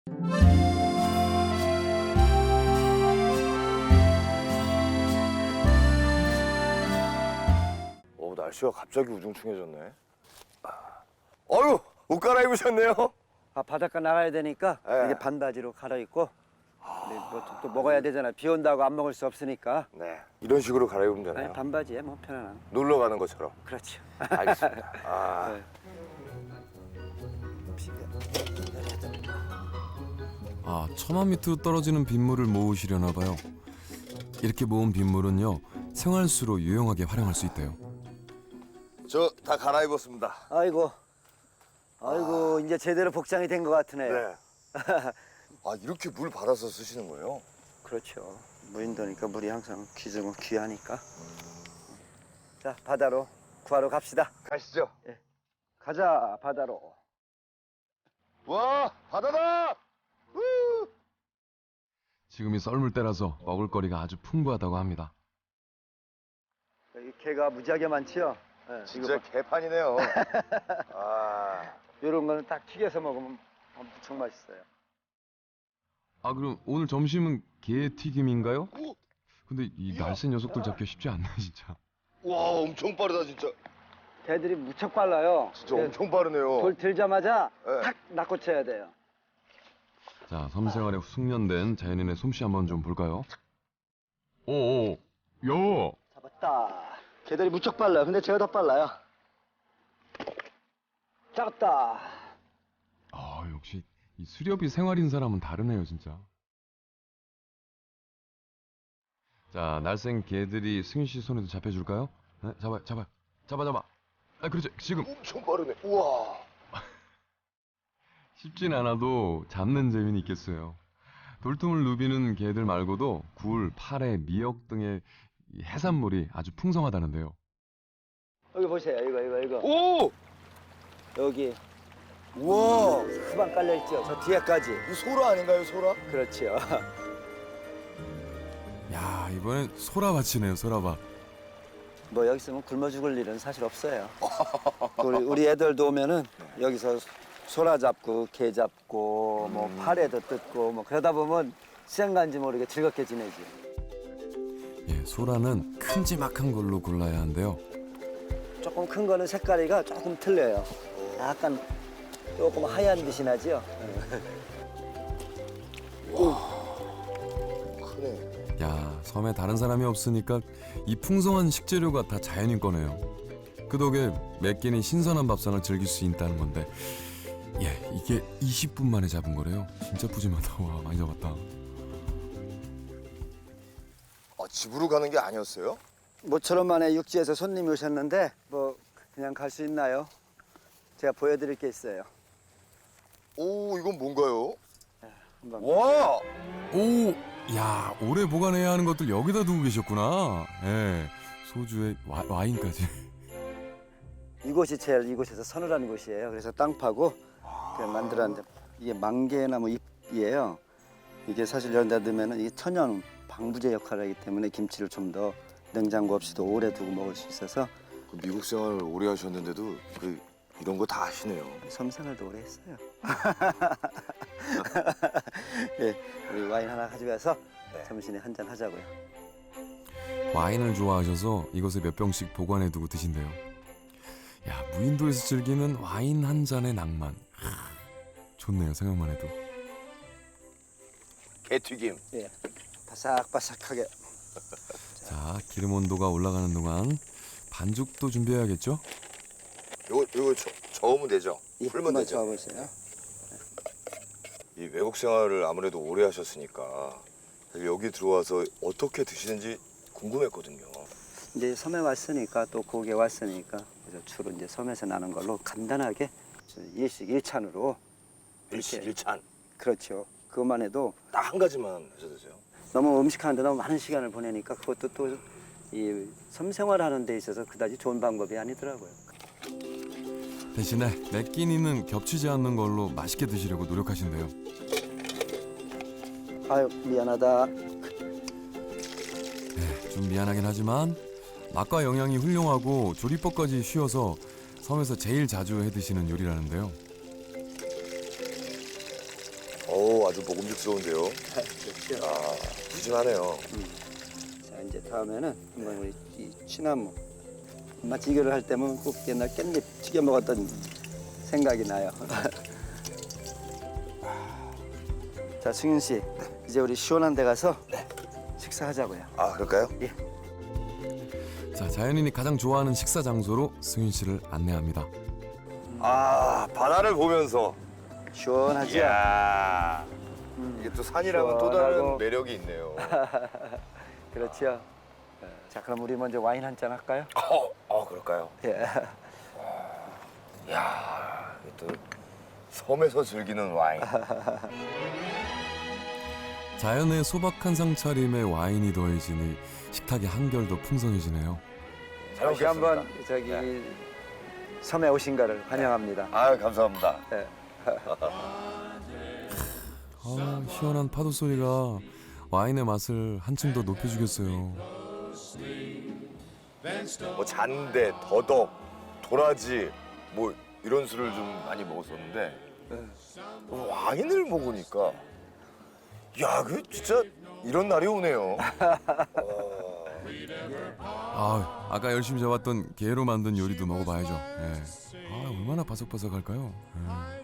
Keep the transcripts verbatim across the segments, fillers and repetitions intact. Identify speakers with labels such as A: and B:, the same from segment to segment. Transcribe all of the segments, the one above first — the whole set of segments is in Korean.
A: 오, 날씨가 갑자기 우중충해졌네. 어휴, 옷 갈아입으셨네요.
B: 아, 바닷가 나가야 되니까
A: 네.
B: 이게 반바지로 갈아입고 네, 뭐 또 먹어야 되잖아. 비 온다고 안 먹을 수 없으니까.
A: 네, 이런 식으로 갈아입으면 되나요?
B: 아니, 반바지에 뭐 편안한.
A: 놀러 가는 것처럼.
B: 그렇죠.
A: 알겠습니다. 아,
B: 네.
C: 아, 처마 밑으로 떨어지는 빗물을 모으시려나 봐요. 이렇게 모은 빗물은요, 생활수로 유용하게 활용할 수 있대요.
A: 저 다 갈아입었습니다.
B: 아이고, 아이고 이제 제대로 복장이 된 것 같으네요.
A: 네. 아, 이렇게 물 받아서 쓰시는 거예요?
B: 그렇죠. 무인도니까 물이 항상 귀중은 귀하니까. 자, 바다로 구하러 갑시다.
A: 가시죠.
B: 가자, 바다로.
A: 와, 바다다! 우!
C: 지금이 썰물 때라서 먹을거리가 아주 풍부하다고 합니다.
B: 여기 개가 무지하게 많지요. 네,
A: 진짜 개판이네요. 아,
B: 이런 거는 딱 튀겨서 먹으면 엄청 맛있어요.
C: 아, 그럼 오늘 점심은 게튀김인가요?
A: 오!
C: 근데 이 날쌘 녀석들 잡기 쉽지 않네, 진짜.
A: 와, 엄청 빠르다 진짜.
B: 개들이 무척 빨라요.
A: 진짜
B: 그
A: 엄청 빠르네요.
B: 돌 들자마자
A: 네.
B: 탁 낚고쳐야 돼요.
C: 자, 섬생활에 숙련된 자연인의 솜씨 한번 좀 볼까요? 오오, 야!
B: 잡았다. 개들이 무척 빨라요. 근데 제가 더 빨라요. 잡았다.
C: 아, 역시 이 수렵이 생활인 사람은 다르네요, 진짜. 자, 날쌘 개들이 승윤 씨 손에도 잡혀줄까요? 네, 잡아요, 잡아요. 잡아, 잡아. 아, 그렇죠. 지금
A: 엄청 빠르네. 우와.
C: 쉽진 않아도 잡는 재미는 있겠어요. 돌tum을 누비는 개들 말고도 굴, 파래, 미역 등의 이 해산물이 아주 풍성하다는데요.
B: 여기 보세요. 이거 이거 이거.
A: 오!
B: 여기
A: 우와.
B: 수박 깔려 있죠. 저 뒤에까지.
A: 이 소라 아닌가요, 소라?
B: 그렇지요.
C: 야, 이번엔 소라밭이네요, 소라밭.
B: 뭐 여기 있으면 굶어 죽을 일은 사실 없어요. 우리, 우리 애들도 오면은 여기서 소라 잡고 게 잡고 뭐 파래도 뜯고 뭐 그러다 보면 시간 간지 모르게 즐겁게 지내지.
C: 예, 소라는 큼지막한 걸로 골라야 한대요.
B: 조금 큰 거는 색깔이가 조금 틀려요. 약간 조금 하얀 빛이 나죠.
A: 크네.
C: 야, 섬에 다른 사람이 없으니까 이 풍성한 식재료가 다 자연인 거네요. 그 덕에 매 끼니 신선한 밥상을 즐길 수 있다는 건데, 예, 이게 이십 분 만에 잡은 거래요. 진짜 푸짐하다. 와, 많이 잡았다.
A: 아, 집으로 가는 게 아니었어요?
B: 모처럼 만에 육지에서 손님이 오셨는데 뭐 그냥 갈 수 있나요? 제가 보여드릴 게 있어요.
A: 오, 이건 뭔가요?
B: 한번.
A: 와!
C: 오, 야, 오래 보관해야 하는 것들 여기다 두고 계셨구나. 예, 소주에 와, 와인까지.
B: 이곳이 제일 이곳에서 서늘한 곳이에요. 그래서 땅 파고 그 만들었는데 이게 망개나무 잎이에요. 이게 사실 여기다 넣으면 이게 천연 방부제 역할을 하기 때문에 김치를 좀 더 냉장고 없이도 오래 두고 먹을 수 있어서
A: 그 미국 생활을 오래 하셨는데도 그 이런 거 다 아시네요.
B: 섬 생활도 오래 했어요. 예, 우리 와인 하나 가져가서
A: 네.
B: 점심에 한잔 하자고요.
C: 와인을 좋아하셔서 이것에 몇 병씩 보관해 두고 드신대요. 야, 무인도에서 즐기는 와인 한 잔의 낭만. 하, 좋네요, 생각만 해도.
A: 게튀김.
B: 예, 바삭바삭하게.
C: 자, 기름 온도가 올라가는 동안 반죽도 준비해야겠죠?
A: 요거 요거 저, 저으면 되죠?
B: 예,
A: 풀면
B: 한번
A: 되죠?
B: 저어보세요.
A: 이 외국 생활을 아무래도 오래 하셨으니까 여기 들어와서 어떻게 드시는지 궁금했거든요.
B: 이제 섬에 왔으니까 또 고국에 왔으니까 그래서 주로 이제 섬에서 나는 걸로 간단하게 일식 일찬으로
A: 일식 일찬
B: 그렇죠. 그것만 해도
A: 딱 한 가지만 해서 드세요.
B: 너무 음식하는데 너무 많은 시간을 보내니까 그것도 또 이 섬 생활하는 데 있어서 그다지 좋은 방법이 아니더라고요.
C: 대신에 매 끼니는 겹치지 않는 걸로 맛있게 드시려고 노력하신대요.
B: 아유 미안하다.
C: 네, 좀 미안하긴 하지만 맛과 영양이 훌륭하고 조리법까지 쉬워서 섬에서 제일 자주 해 드시는 요리라는데요.
A: 오, 아주 먹음직스러운데요.
B: 그렇죠.
A: 아, 푸짐하네요.
B: 자 이제 다음에는 한번 우리 이 취나무 마치 이거를 할 때면 꼭 옛날 깻잎 튀겨 먹었던 생각이 나요. 자 승윤 씨 이제 우리 시원한 데 가서 식사하자고요.
A: 아, 그럴까요?
C: 자, 자연인이 가장 좋아하는 식사 장소로 승윤 씨를 안내합니다.
A: 아, 바다를 보면서.
B: 시원하죠?
A: 이야. 이게 또 산이랑은 또 다른
B: 시원하고.
A: 매력이 있네요.
B: 그렇죠. 자 그럼 우리 먼저 와인 한 잔 할까요?
A: 어, 어, 그럴까요?
B: 예.
A: 이야, 이게 또 섬에서 즐기는 와인.
C: 자연의 소박한 상차림에 와인이 더해지니 식탁의 한결 더 풍성해지네요.
A: 잘
B: 다시
A: 먹겠습니다.
B: 한번 저기
A: 네.
B: 섬에 오신 거를 환영합니다.
A: 아, 감사합니다.
B: 예.
C: 아, 시원한 파도 소리가 와인의 맛을 한층 더 높여주겠어요.
A: 뭐 잔대, 더덕, 도라지 뭐 이런 술을 좀 많이 먹었었는데 와인을 먹으니까 야, 그 진짜 이런 날이 오네요.
C: 아, 아까 열심히 잡았던 게로 만든 요리도 먹어봐야죠. 예. 아, 얼마나 바삭바삭할까요? 예.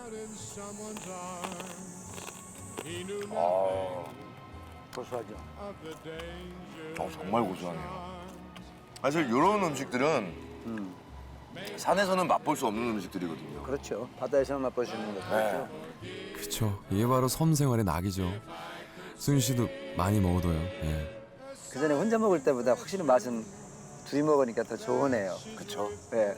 A: 아,
B: 고소하죠.
A: 어, 정말 고소하네요. 사실 이런 음식들은
B: 음.
A: 산에서는 맛볼 수 없는 음식들이거든요.
B: 그렇죠. 바다에서만 맛보시는 거죠.
A: 네.
C: 그쵸. 이게 바로 섬 생활의 낙이죠. 승윤 씨도 많이 먹어둬요. 예.
B: 그 전에 혼자 먹을 때보다 확실히 맛은 둘이 먹으니까 더 좋으네요.
A: 그렇죠.
B: 네.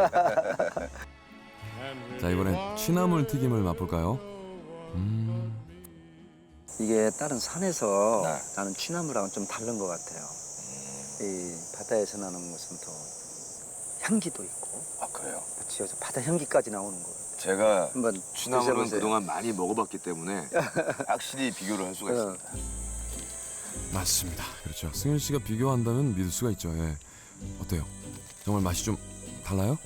C: 자, 이번엔 취나물 튀김을 맛볼까요? 음,
B: 이게 다른 산에서
A: 네.
B: 나는 취나물하고는 좀 다른 것 같아요. 이 바다에서 나는 것은 더 향기도 있고,
A: 아, 그래요?
B: 그렇죠. 바다 향기까지 나오는 거예요.
A: 제가
B: 한번
A: 취나물은
B: 드셔보세요.
A: 그동안 많이 먹어봤기 때문에 확실히 비교를 할 수가
B: 어.
A: 있습니다.
C: 맞습니다. 그렇죠. 승윤 씨가 비교한다면 믿을 수가 있죠. 예. 어때요? 정말 맛이 좀 달라요?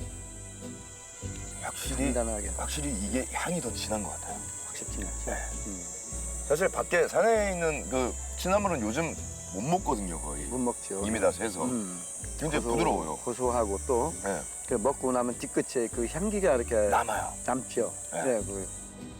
A: 확실히
B: 간단하게
A: 확실히 이게 향이 더 진한 것 같아요.
B: 확실히 진하죠.
A: 네.
B: 음.
A: 사실 밖에 산에 있는 그 취나물은 요즘 못 먹거든요, 거의.
B: 못 먹죠.
A: 이미 다 새서.
B: 음.
A: 굉장히
B: 고소-
A: 부드러워요.
B: 고소하고 또
A: 네.
B: 그 먹고 나면 뒤끝에 그 향기가 이렇게
A: 남아요.
B: 남죠.
A: 네.
B: 네. 그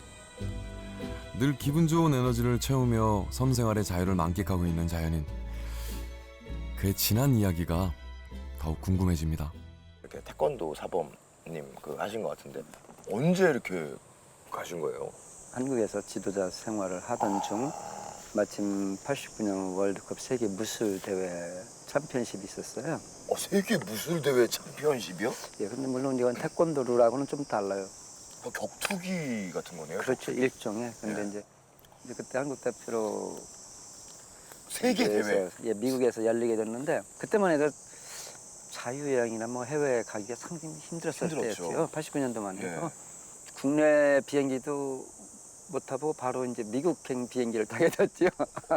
C: 늘 기분 좋은 에너지를 채우며 섬 생활의 자유를 만끽하고 있는 자연인. 그의 진한 이야기가 더욱 궁금해집니다.
A: 이렇게 태권도 사범님 그 하신 것 같은데 언제 이렇게 가신 거예요?
B: 한국에서 지도자 생활을 하던 중 마침 팔십구 년 월드컵 세계 무술 대회 챔피언십이 있었어요.
A: 어, 세계 무술 대회 챔피언십이요?
B: 예, 근데 물론 이건 태권도라고는 좀 달라요.
A: 뭐 격투기 같은 거네요.
B: 그렇죠, 일종의. 근데
A: 네.
B: 이제, 이제 그때 한국 대표로
A: 세계 대회.
B: 대회에서, 예, 미국에서 열리게 됐는데 그때만 해도 자유여행이나 뭐 해외 가기가 상당히 힘들었을
A: 힘들었죠.
B: 때였죠. 팔십구 년도만 해도
A: 예.
B: 국내 비행기도 못 타고 바로 이제 미국행 비행기를 타게 됐죠.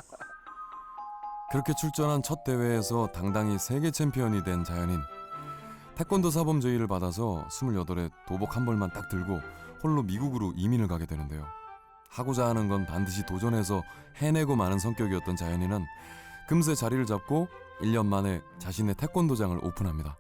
C: 그렇게 출전한 첫 대회에서 당당히 세계 챔피언이 된 자연인. 태권도 사범 제의를 받아서 스물여덟에 도복 한 벌만 딱 들고 홀로 미국으로 이민을 가게 되는데요. 하고자 하는 건 반드시 도전해서 해내고 마는 성격이었던 자연인은 금세 자리를 잡고 일 년 만에 자신의 태권도장을 오픈합니다.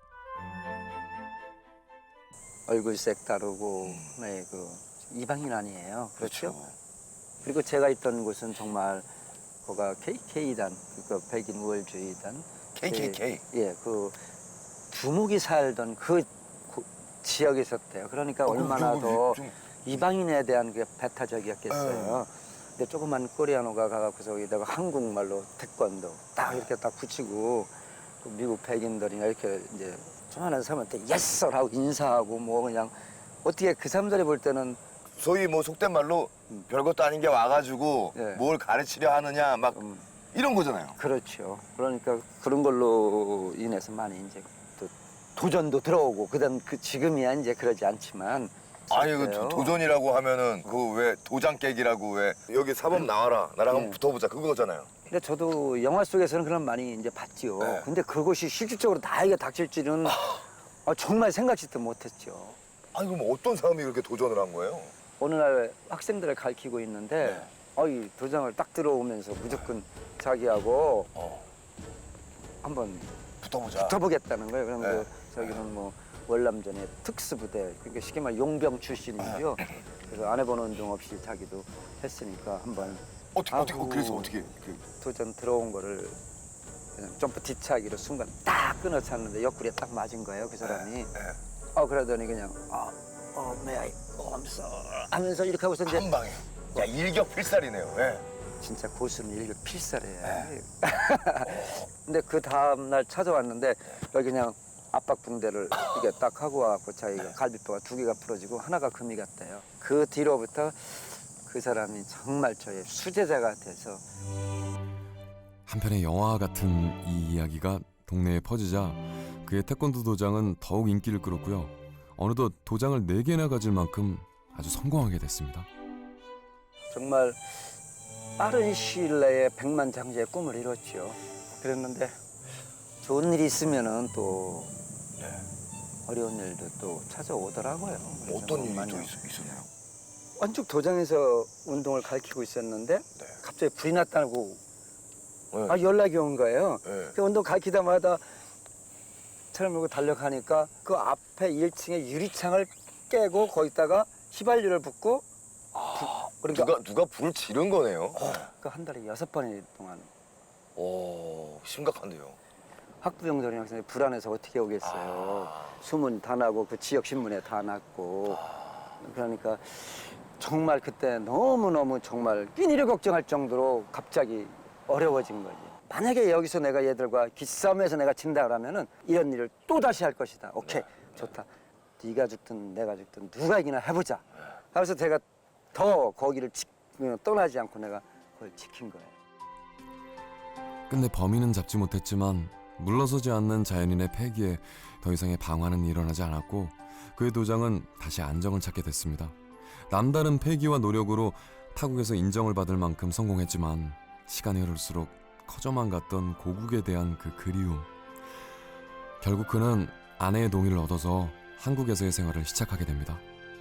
B: 얼굴색 다르고 네, 그 이방인 아니에요. 그렇죠?
A: 그렇죠.
B: 그리고 제가 있던 곳은 정말 거가 케이케이단, 그 백인 우월주의단.
A: 케이케이케이.
B: 예, 예, 그 두목이 살던 그 고- 지역에 있었대요. 그러니까
A: 어,
B: 얼마나
A: 그거
B: 더
A: 좀-
B: 이방인에 대한 그 배타적이었겠어요. 근데 조그만 코리아노가 가갖고서 여기다가 한국말로 태권도 딱 이렇게 딱 붙이고 그 미국 백인들이나 이렇게 이제 조만한 사람한테 예썰 하고 인사하고 뭐 그냥 어떻게 그 사람들이 볼 때는
A: 소위 뭐 속된 말로 별것도 아닌 게 와가지고
B: 네.
A: 뭘 가르치려 하느냐 막
B: 음,
A: 이런 거잖아요.
B: 그렇죠. 그러니까 그런 걸로 인해서 많이 이제 또 도전도 들어오고 그다음 그 지금이야 이제 그러지 않지만
A: 아니 그
B: 있었어요.
A: 도- 도전이라고 하면은 그 왜 도장 깨기라고 왜 여기 사범 나와라 나랑 한번
B: 네.
A: 붙어보자 그거잖아요.
B: 근데 저도 영화 속에서는 그런 많이 이제 봤지요.
A: 네.
B: 근데 그것이 실질적으로 나에게 닥칠 줄은 아, 정말 생각지도 못했죠.
A: 아니 그럼 어떤 사람이 그렇게 도전을 한 거예요?
B: 어느 날 학생들을 가르치고 있는데
A: 네.
B: 어이 도장을 딱 들어오면서 무조건 자기하고
A: 어.
B: 한번
A: 붙어보자.
B: 붙어보겠다는 거예요. 그러면
A: 네.
B: 그 저기는 뭐 월남전의 특수부대, 그러니까 쉽게 말해 용병 출신이죠. 그래서 안 해본 운동 없이 자기도 했으니까 한번
A: 어떻게 어떻게 어,
B: 아우.
A: 그래서 어떻게 그,
B: 도전 들어온 거를 그냥 점프 뒤차기로 순간 딱 끊어찼는데 옆구리에 딱 맞은 거예요, 그 사람이.
A: 네.
B: 어 그러더니 그냥 어, 어, may I, oh, I'm sorry 하면서 이렇게 하고서 이제
A: 한 방에. 야 일격필살이네요. 예.
B: 진짜 고수는 일격필살이에요. 근데 그 다음 날 찾아왔는데 여기 그냥 압박 붕대를 이게 딱 하고 와갖고 자기가 갈비뼈가 두 개가 부러지고 하나가 금이 갔대요. 그 뒤로부터 그 사람이 정말 저의 수제자가 돼서
C: 한편의 영화 같은 이 이야기가 동네에 퍼지자 그의 태권도 도장은 더욱 인기를 끌었고요. 어느덧 도장을 네 개나 가질 만큼 아주 성공하게 됐습니다.
B: 정말 빠른 시일 내에 백만장자의 꿈을 이뤘죠. 그랬는데 좋은 일이 있으면은 또
A: 네.
B: 어려운 일도 또 찾아오더라고요. 그래서
A: 어떤
B: 뭐
A: 일이
B: 많이
A: 또 있, 있었나요?
B: 완죽 도장에서 운동을 가르치고 있었는데
A: 네.
B: 갑자기 불이 났다고
A: 네.
B: 아, 연락이 온 거예요.
A: 네.
B: 그 운동 가르치다마다 차를 몰고 달려가니까 그 앞에 일 층에 유리창을 깨고 거기다가 휘발유를 붓고 부, 그러니까
A: 누가 누가 불을 지른 거네요.
B: 그 한 달에 여섯 번 동안
A: 오 심각한데요.
B: 학부형들이 학생이 불안해서 어떻게 오겠어요.
A: 아.
B: 소문 다 나고 그 지역 신문에 다 났고 그러니까 정말 그때 너무너무 정말 끼니를 걱정할 정도로 갑자기 어려워진 거지. 만약에 여기서 내가 얘들과 기싸움에서 내가 진다 그러면은 이런 일을 또 다시 할 것이다. 오케이, 좋다. 네가 죽든 내가 죽든 누가 이기나 해보자. 그래서 제가 더 거기를 지, 떠나지 않고 내가 그걸 지킨 거예요.
C: 끝내 범인은 잡지 못했지만 물러서지 않는 자연인의 패기에 더 이상의 방화는 일어나지 않았고 그의 도장은 다시 안정을 찾게 됐습니다. 남다른 패기와 노력으로 타국에서 인정을 받을 만큼 성공했지만 시간이 흐를수록 커져만 갔던 고국에 대한 그 그리움. 결국 그는 아내의 동의를 얻어서 한국에서의 생활을 시작하게 됩니다.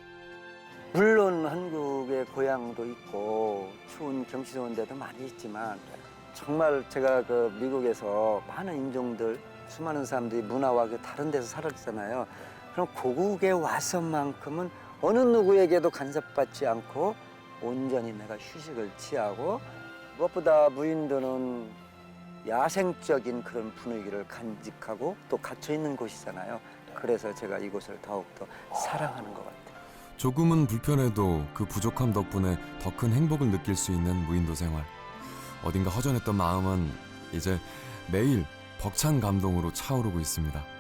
B: 물론 한국의 고향도 있고 추운 경치 좋은 데도 많이 있지만 정말 제가 그 미국에서 많은 인종들, 수많은 사람들이 문화와 그 다른 데서 살았잖아요. 그럼 고국에 와서만큼은 어느 누구에게도 간섭받지 않고 온전히 내가 휴식을 취하고 무엇보다 무인도는 야생적인 그런 분위기를 간직하고 또 갇혀 있는 곳이잖아요. 그래서 제가 이곳을 더욱더 사랑하는 것 같아요.
C: 조금은 불편해도 그 부족함 덕분에 더 큰 행복을 느낄 수 있는 무인도 생활. 어딘가 허전했던 마음은 이제 매일 벅찬 감동으로 차오르고 있습니다.